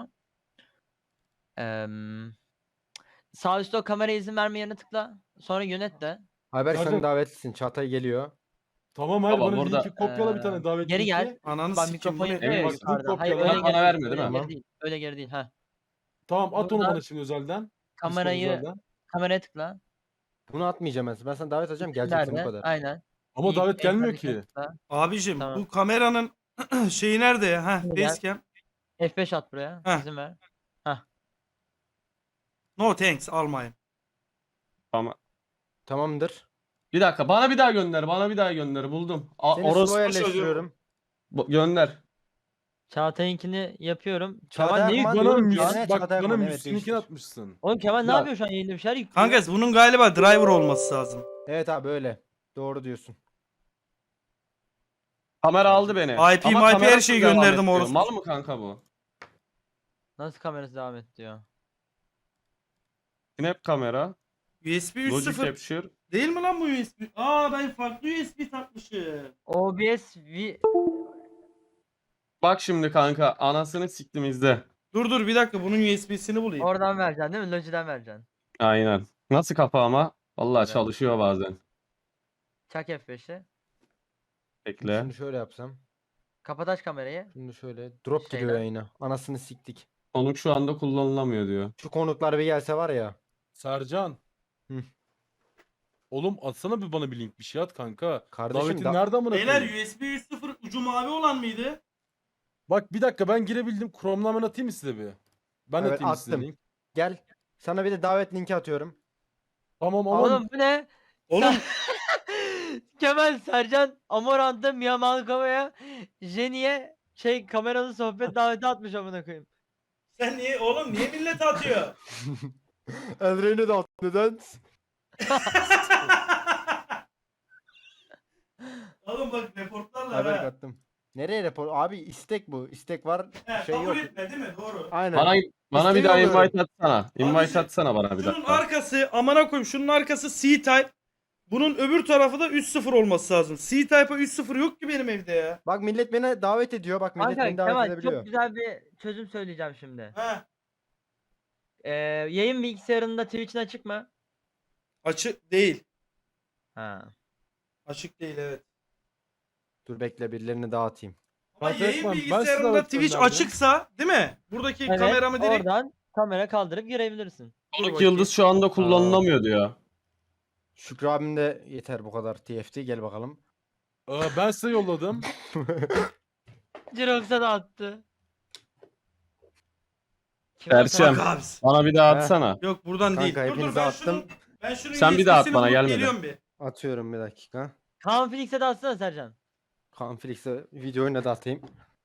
[SPEAKER 4] Sağ üstte o kamera izin verme yerine tıkla. Sonra yönet de.
[SPEAKER 5] Ayberk
[SPEAKER 3] Sercan-
[SPEAKER 5] sen davetlisin. Çağatay geliyor.
[SPEAKER 3] Tamam hayır
[SPEAKER 2] Baba,
[SPEAKER 3] bana
[SPEAKER 2] burada-
[SPEAKER 3] linki kopyala bir tane davet
[SPEAKER 4] Geri
[SPEAKER 3] linki.
[SPEAKER 4] gel.
[SPEAKER 1] Ananı
[SPEAKER 4] Bak
[SPEAKER 1] sikim
[SPEAKER 4] mikrofon
[SPEAKER 1] bu ne?
[SPEAKER 4] yapıyor ya
[SPEAKER 2] Emin
[SPEAKER 3] misin?
[SPEAKER 4] yukarıda. Hayır
[SPEAKER 3] Kopyala.
[SPEAKER 4] öyle
[SPEAKER 2] Bana
[SPEAKER 4] geri
[SPEAKER 2] vermiyor
[SPEAKER 4] değil.
[SPEAKER 2] değil
[SPEAKER 4] Öyle
[SPEAKER 2] mi?
[SPEAKER 4] geri değil. Öyle geri değil. Ha.
[SPEAKER 3] Tamam at onu
[SPEAKER 4] Burada-
[SPEAKER 3] bana şimdi özelden. Discord
[SPEAKER 4] Kamerayı
[SPEAKER 3] özelden.
[SPEAKER 4] kameraya tıkla.
[SPEAKER 5] Bunu atmayacağım ben. Ben sana davet atacağım. Geleceksin bu
[SPEAKER 4] Nerede?
[SPEAKER 5] kadar.
[SPEAKER 4] Aynen.
[SPEAKER 3] Ama
[SPEAKER 4] İyi,
[SPEAKER 3] davet
[SPEAKER 4] en
[SPEAKER 3] gelmiyor
[SPEAKER 4] sağdakine
[SPEAKER 3] ki.
[SPEAKER 4] tıkla.
[SPEAKER 1] Abicim
[SPEAKER 4] Tamam.
[SPEAKER 1] bu kameranın şeyi nerede ya? Ha,
[SPEAKER 4] Şimdi gel.
[SPEAKER 1] facecam.
[SPEAKER 4] F5 at buraya.
[SPEAKER 1] Heh.
[SPEAKER 4] İzin ver.
[SPEAKER 1] No thanks almayın.
[SPEAKER 5] Tamamdır.
[SPEAKER 2] Bir dakika bana bir daha gönder. Bana bir daha gönder. Buldum.
[SPEAKER 5] Seni
[SPEAKER 2] Orospu
[SPEAKER 5] slow
[SPEAKER 2] çocuğu.
[SPEAKER 5] yerleştiriyorum.
[SPEAKER 2] Gönder.
[SPEAKER 4] Çağatay'ınkini yapıyorum.
[SPEAKER 5] Çağatay
[SPEAKER 4] Kemal ne
[SPEAKER 5] Akman
[SPEAKER 4] yüklüyor
[SPEAKER 3] Bana
[SPEAKER 4] oğlum
[SPEAKER 5] diyorum
[SPEAKER 4] şu
[SPEAKER 5] ki
[SPEAKER 4] an?
[SPEAKER 5] ne?
[SPEAKER 3] mis, bak
[SPEAKER 5] Çağatay
[SPEAKER 3] bana
[SPEAKER 5] Akman, evet,
[SPEAKER 3] müslünkini
[SPEAKER 5] değiştir.
[SPEAKER 3] atmışsın.
[SPEAKER 4] Oğlum Kemal ne
[SPEAKER 2] Ya-
[SPEAKER 4] yapıyor şu an yayında bir şeyler yüklüyor.
[SPEAKER 1] Kanka bunun galiba driver olması lazım.
[SPEAKER 5] Evet abi öyle. Doğru diyorsun.
[SPEAKER 2] Kamera aldı beni.
[SPEAKER 1] IP,
[SPEAKER 2] Ama
[SPEAKER 1] MIP her
[SPEAKER 2] kamerasız
[SPEAKER 1] şeyi
[SPEAKER 2] devam
[SPEAKER 1] gönderdim
[SPEAKER 2] ettiriyor.
[SPEAKER 1] orospu.
[SPEAKER 2] Mal mı kanka bu?
[SPEAKER 4] Nasıl kamerası devam et diyor.
[SPEAKER 2] Snap kamera.
[SPEAKER 1] USB
[SPEAKER 2] Logic
[SPEAKER 1] 3.0
[SPEAKER 2] Capture.
[SPEAKER 1] değil mi lan bu USB? Aa ben farklı USB takmışım.
[SPEAKER 4] OBS
[SPEAKER 2] Bak şimdi kanka anasını siktim izle.
[SPEAKER 1] Dur bir dakika bunun USB'sini bulayım.
[SPEAKER 4] oradan vereceksin değil mi? Logic'den vereceksin.
[SPEAKER 2] Aynen. Nasıl kafa ama? Vallahi
[SPEAKER 4] Evet.
[SPEAKER 2] çalışıyor bazen.
[SPEAKER 4] Çak F5'i.
[SPEAKER 2] Bekle.
[SPEAKER 5] Şimdi şöyle yapsam.
[SPEAKER 4] Kapat aç kamerayı.
[SPEAKER 5] Şimdi şöyle. Drop giriyor
[SPEAKER 4] Şeyden.
[SPEAKER 5] yayına. Anasını siktik.
[SPEAKER 2] Konuk şu anda kullanılamıyor diyor.
[SPEAKER 5] Şu konuklar bir gelse var ya.
[SPEAKER 3] Sercan.
[SPEAKER 5] Hı.
[SPEAKER 3] Oğlum atsana bir bana bir link bir şey at kanka.
[SPEAKER 5] Kardeşim
[SPEAKER 3] Davetin
[SPEAKER 5] da-
[SPEAKER 3] nerede amına
[SPEAKER 1] Beyler
[SPEAKER 3] koyayım?
[SPEAKER 1] USB 3.0 ucu mavi olan mıydı?
[SPEAKER 3] Bak bir dakika ben girebildim. Chrome'dan ben atayım mı size bir? Ben
[SPEAKER 5] Evet,
[SPEAKER 3] atayım size
[SPEAKER 5] attım.
[SPEAKER 3] link.
[SPEAKER 5] Gel. Sana bir de davet linki atıyorum.
[SPEAKER 3] Tamam ama
[SPEAKER 4] Oğlum bu ne?
[SPEAKER 1] Oğlum
[SPEAKER 4] Kemal Sercan Amorant'ta Mia Malkova'ya Jenny'e kameralı sohbet daveti atmış amına koyayım.
[SPEAKER 1] sen niye oğlum niye millet atıyor?
[SPEAKER 5] Elreyne de at. Neden?
[SPEAKER 1] Oğlum bak reportlarlar
[SPEAKER 5] Haber
[SPEAKER 1] ha.
[SPEAKER 5] attım. Nereye rapor? Abi istek bu. İstek var.
[SPEAKER 1] He,
[SPEAKER 5] Şey
[SPEAKER 1] kabul
[SPEAKER 5] yok.
[SPEAKER 1] etme değil mi? Doğru.
[SPEAKER 5] Aynen.
[SPEAKER 2] Bana bir daha
[SPEAKER 5] İstemiyorum.
[SPEAKER 2] invite atsana. Invite
[SPEAKER 1] Abiciğim,
[SPEAKER 2] atsana bana bir
[SPEAKER 1] Şunun
[SPEAKER 2] dakika.
[SPEAKER 1] arkası amına koyayım şunun arkası C-Type. Bunun öbür tarafı da 3.0 olması lazım. C-Type'a 3.0 yok ki benim evde ya.
[SPEAKER 5] Bak millet beni davet ediyor. Bak millet
[SPEAKER 4] Kanka
[SPEAKER 5] beni davet
[SPEAKER 4] Kemal
[SPEAKER 5] edebiliyor.
[SPEAKER 4] çok güzel bir çözüm söyleyeceğim şimdi.
[SPEAKER 1] Ha,
[SPEAKER 4] Yayın bilgisayarında Twitch'in açık mı?
[SPEAKER 1] açık değil.
[SPEAKER 4] Ha.
[SPEAKER 1] Açık değil evet.
[SPEAKER 5] Dur bekle birilerini dağıtayım.
[SPEAKER 1] Ama
[SPEAKER 3] Fatih
[SPEAKER 1] yayın
[SPEAKER 3] Ekman, ben size
[SPEAKER 1] bilgisayarında
[SPEAKER 3] davet
[SPEAKER 1] Twitch
[SPEAKER 3] gönderdim.
[SPEAKER 1] açıksa değil mi? Buradaki
[SPEAKER 4] Evet,
[SPEAKER 1] kameramı direkt...
[SPEAKER 4] oradan kamera kaldırıp girebilirsin.
[SPEAKER 1] Dur
[SPEAKER 2] Konuk
[SPEAKER 1] bakayım.
[SPEAKER 2] yıldız şu anda kullanılamıyor diyor.
[SPEAKER 5] Şükrü abim de yeter bu kadar TFT gel bakalım.
[SPEAKER 3] Ben size yolladım.
[SPEAKER 4] Jirox'a da attı.
[SPEAKER 2] Erçem.
[SPEAKER 1] Bak abisi.
[SPEAKER 2] Bana bir daha
[SPEAKER 5] Heh.
[SPEAKER 2] atsana.
[SPEAKER 1] Yok buradan
[SPEAKER 5] Kanka,
[SPEAKER 1] değil. Dur
[SPEAKER 5] hepinize
[SPEAKER 1] ben
[SPEAKER 5] attım.
[SPEAKER 1] şunun
[SPEAKER 2] Sen bir daha at
[SPEAKER 1] USB'sini
[SPEAKER 2] bana,
[SPEAKER 1] bulup
[SPEAKER 2] gelmedi.
[SPEAKER 1] geliyorum bir.
[SPEAKER 5] Atıyorum bir dakika.
[SPEAKER 4] Kaan Felix'e de atsana Sercan.
[SPEAKER 5] Konflikse videoyu ne de atayım.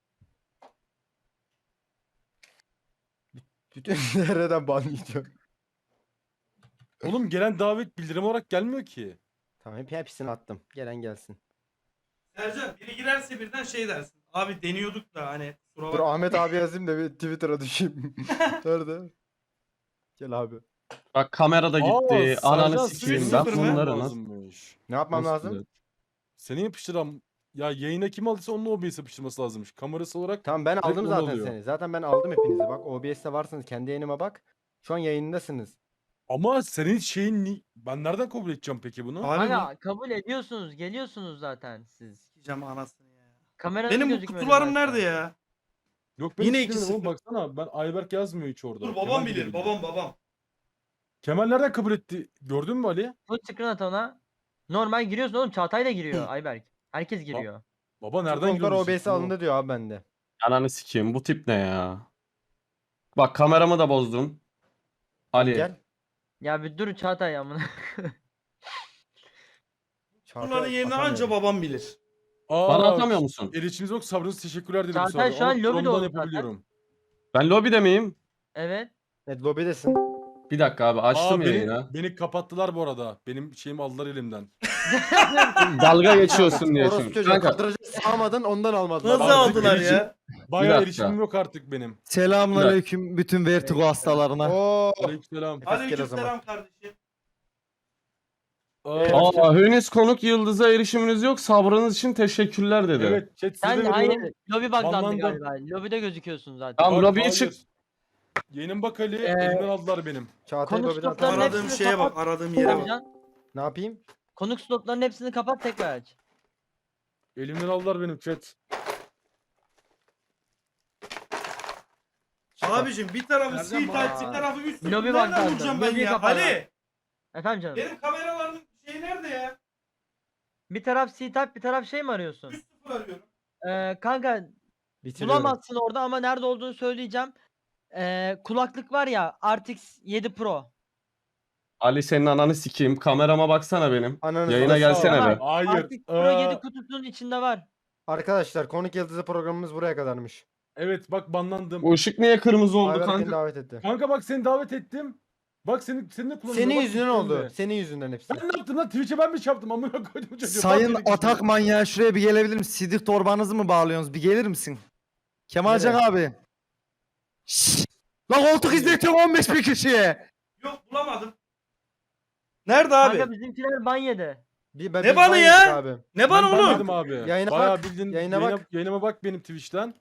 [SPEAKER 5] Bütün nereden banlayacağım?
[SPEAKER 3] Oğlum gelen davet bildirim olarak gelmiyor ki.
[SPEAKER 5] Tamam hepsini attım. Gelen gelsin.
[SPEAKER 1] Sercan biri girerse birden şey dersin. Abi deniyorduk da hani kusura
[SPEAKER 5] Dur
[SPEAKER 1] bakma.
[SPEAKER 5] Ahmet abi yazayım da bir Twitter'a düşeyim. Nerede? Gel abi.
[SPEAKER 2] Bak kamera da gitti.
[SPEAKER 3] Aa,
[SPEAKER 2] Ananı
[SPEAKER 3] Sercan,
[SPEAKER 2] sikeyim
[SPEAKER 3] senin
[SPEAKER 2] ben
[SPEAKER 1] sıfır mı?
[SPEAKER 2] bunları nasıl...
[SPEAKER 3] lazımmış.
[SPEAKER 5] Ne yapmam
[SPEAKER 2] nasıl
[SPEAKER 5] lazım?
[SPEAKER 2] düzelt-
[SPEAKER 3] Seni yapıştıran ya yayına kim aldıysa onun OBS yapıştırması lazımmış. Kamerası olarak
[SPEAKER 5] Tamam ben aldım
[SPEAKER 3] onu
[SPEAKER 5] zaten
[SPEAKER 3] alıyor.
[SPEAKER 5] seni. Zaten ben aldım hepinizi. Bak OBS'te varsınız. Kendi yayınıma bak. Şu an yayındasınız.
[SPEAKER 3] ama senin şeyin ben nereden kabul edeceğim peki bunu?
[SPEAKER 1] Abi
[SPEAKER 4] Hala kabul ediyorsunuz, geliyorsunuz zaten siz.
[SPEAKER 1] Sikeceğim anasını ya.
[SPEAKER 4] Kameranın
[SPEAKER 1] Benim bu
[SPEAKER 4] gözükmüyor
[SPEAKER 1] kutularım
[SPEAKER 4] zaten.
[SPEAKER 1] nerede ya?
[SPEAKER 3] Yok ben
[SPEAKER 1] Yine
[SPEAKER 3] hiç gidemedim
[SPEAKER 1] 2-0.
[SPEAKER 3] oğlum, baksana ben Ayberk yazmıyor hiç orada.
[SPEAKER 1] Dur
[SPEAKER 3] Kemal
[SPEAKER 1] babam bilir
[SPEAKER 3] gidebiliyor.
[SPEAKER 1] babam.
[SPEAKER 3] Kemal nereden kabul etti? Gördün mü Ali?
[SPEAKER 4] Full screen at ona. Normal giriyorsun oğlum. Çağatay da giriyor Ayberk. Herkes giriyor.
[SPEAKER 3] Baba nereden
[SPEAKER 5] Nereden
[SPEAKER 3] giriyorsun?
[SPEAKER 5] OBS alındı diyor abi bende.
[SPEAKER 2] Ananı sikeyim bu tip ne ya? Bak kameramı da bozdum. Ali.
[SPEAKER 5] Gel.
[SPEAKER 4] Ya bir dur Çağatay amına.
[SPEAKER 1] Bunların yerini anca babam bilir.
[SPEAKER 2] Bana atamıyor musun?
[SPEAKER 3] Erişiminiz yok, sabrınız teşekkürler dedim.
[SPEAKER 4] Çağatay şu an lobide
[SPEAKER 3] Chrome'dan
[SPEAKER 4] oldu zaten.
[SPEAKER 3] yapabiliyorum.
[SPEAKER 2] Ben lobide miyim?
[SPEAKER 4] Evet.
[SPEAKER 5] Evet lobidesin.
[SPEAKER 2] Bir dakika abi açtım yayını.
[SPEAKER 3] Beni kapattılar bu arada. Benim şeyimi aldılar elimden.
[SPEAKER 2] Dalga geçiyorsun diye
[SPEAKER 5] Orospu
[SPEAKER 2] şimdi.
[SPEAKER 5] çocuğu
[SPEAKER 2] Kanka
[SPEAKER 5] kadıracak sağmadın ondan almadılar.
[SPEAKER 1] Nasıl
[SPEAKER 3] Artık
[SPEAKER 1] aldılar
[SPEAKER 3] erişim-
[SPEAKER 1] ya?
[SPEAKER 3] Bayağı
[SPEAKER 2] dakika.
[SPEAKER 3] erişimim yok artık benim.
[SPEAKER 6] Selamünaleyküm bütün vertigo hastalarına.
[SPEAKER 5] Oo.
[SPEAKER 3] Aleykümselam.
[SPEAKER 5] Nefes gel o zaman.
[SPEAKER 1] Aleykümselam kardeşim.
[SPEAKER 2] aa henüz konuk yıldıza erişiminiz yok. Sabrınız için teşekkürler dedi.
[SPEAKER 3] Evet, chat size
[SPEAKER 4] Sen
[SPEAKER 3] veriyorum.
[SPEAKER 4] hayır. Lobi buglandı
[SPEAKER 3] Banlandım.
[SPEAKER 4] galiba. Lobide gözüküyorsun zaten.
[SPEAKER 2] Tamam
[SPEAKER 3] Bak,
[SPEAKER 2] lobiye
[SPEAKER 3] hayır.
[SPEAKER 2] çık.
[SPEAKER 3] Yayının bak Ali, elimden aldılar benim.
[SPEAKER 5] Çağatay
[SPEAKER 4] Konuk
[SPEAKER 5] lobiden
[SPEAKER 4] stoplarını
[SPEAKER 5] atar.
[SPEAKER 1] Aradığım
[SPEAKER 4] hepsini
[SPEAKER 1] şeye bak,
[SPEAKER 4] kapat.
[SPEAKER 1] aradığım yere bak.
[SPEAKER 4] Sercan,
[SPEAKER 5] Ne yapayım?
[SPEAKER 4] konuk slotlarının hepsini kapat tekrar aç.
[SPEAKER 3] Elimden aldılar benim chat.
[SPEAKER 1] Abicim bir tarafı
[SPEAKER 3] Nereden
[SPEAKER 1] C-Type,
[SPEAKER 3] bana-
[SPEAKER 1] bir tarafı üst.
[SPEAKER 4] Lobi
[SPEAKER 1] Nereden
[SPEAKER 4] bak
[SPEAKER 1] bulacağım ben
[SPEAKER 4] lobiyi
[SPEAKER 1] ya?
[SPEAKER 4] kapat.
[SPEAKER 1] Ali!
[SPEAKER 4] Efendim canım.
[SPEAKER 1] Benim kameraların şeyi nerede ya?
[SPEAKER 4] Bir taraf C-Type bir taraf şey mi arıyorsun?
[SPEAKER 1] 3-0 arıyorum.
[SPEAKER 4] Kanka
[SPEAKER 5] Bitiriyorum.
[SPEAKER 4] bulamazsın orada ama nerede olduğunu söyleyeceğim. Kulaklık var ya RTX 7 Pro.
[SPEAKER 2] Ali senin ananı sikeyim. Kamerama baksana benim.
[SPEAKER 5] Ananı
[SPEAKER 2] Yayına
[SPEAKER 5] satayım.
[SPEAKER 2] gelsene
[SPEAKER 4] Tamam.
[SPEAKER 2] be.
[SPEAKER 3] Hayır.
[SPEAKER 4] RTX Pro 7 kutusunun içinde var.
[SPEAKER 5] Arkadaşlar konuk yıldızı programımız buraya kadarmış.
[SPEAKER 3] Evet bak banlandım.
[SPEAKER 2] O ışık niye kırmızı oldu
[SPEAKER 5] Ayber beni
[SPEAKER 2] kanka?
[SPEAKER 5] davet etti.
[SPEAKER 3] Kanka bak seni davet ettim. Bak senin de kullanıyorum.
[SPEAKER 5] Senin
[SPEAKER 3] Bak
[SPEAKER 5] yüzünden
[SPEAKER 3] sistemde.
[SPEAKER 5] oldu. Senin yüzünden hepsi.
[SPEAKER 3] Ben ne yaptım lan? Twitch'e ben mi çarptım? Amına koydum çocuğu.
[SPEAKER 6] Sayın
[SPEAKER 3] Bak beni
[SPEAKER 6] atak
[SPEAKER 3] kişi.
[SPEAKER 6] manyağı şuraya bir gelebilir misin? Sidik torbanızı mı bağlıyorsunuz? Bir gelir misin? Kemalcan abi. Şşş. Lan koltuk izletiyorum 15 bin kişiye.
[SPEAKER 1] Yok bulamadım. Nerede abi?
[SPEAKER 4] Kanka bizimkiler ban yedi.
[SPEAKER 5] Ben,
[SPEAKER 1] Ne
[SPEAKER 5] biz
[SPEAKER 1] banı
[SPEAKER 5] banyoyduk
[SPEAKER 1] ya?
[SPEAKER 5] Abi.
[SPEAKER 1] Ne bana
[SPEAKER 3] Ben
[SPEAKER 1] oğlum?
[SPEAKER 3] banladım abi.
[SPEAKER 5] Yayına
[SPEAKER 3] Bayağı
[SPEAKER 5] bak,
[SPEAKER 3] bildiğin
[SPEAKER 5] yayına bak.
[SPEAKER 3] yayınıma bak benim Twitch'ten.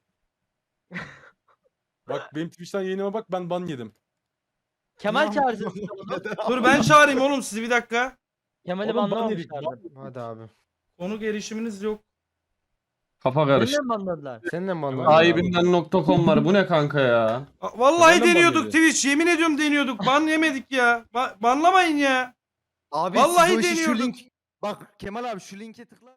[SPEAKER 3] Bak benim Twitch'ten yayınıma bak ben ban yedim.
[SPEAKER 4] Kemal çağırsın sizi oğlum.
[SPEAKER 1] Dur ben çağırayım oğlum sizi bir dakika.
[SPEAKER 4] Kemal'i
[SPEAKER 3] Oğlum ban yedik.
[SPEAKER 4] banlamamışlardı.
[SPEAKER 5] Hadi abi.
[SPEAKER 1] Konuk erişiminiz yok.
[SPEAKER 2] Kafa
[SPEAKER 4] Seni
[SPEAKER 2] karıştı.
[SPEAKER 4] de mi banladılar?
[SPEAKER 5] Seninle mi banladın?
[SPEAKER 2] Sahibinden.com var. Bu ne kanka ya?
[SPEAKER 1] Vallahi
[SPEAKER 3] Neden
[SPEAKER 1] deniyorduk
[SPEAKER 3] ban
[SPEAKER 1] Twitch. Yemin ediyorum deniyorduk. Ban yemedik ya. Banlamayın ya.
[SPEAKER 6] Abi
[SPEAKER 1] Vallahi
[SPEAKER 6] siz o işi şu
[SPEAKER 1] deniyorduk.
[SPEAKER 6] link... Bak Kemal abi şu linke tıkla.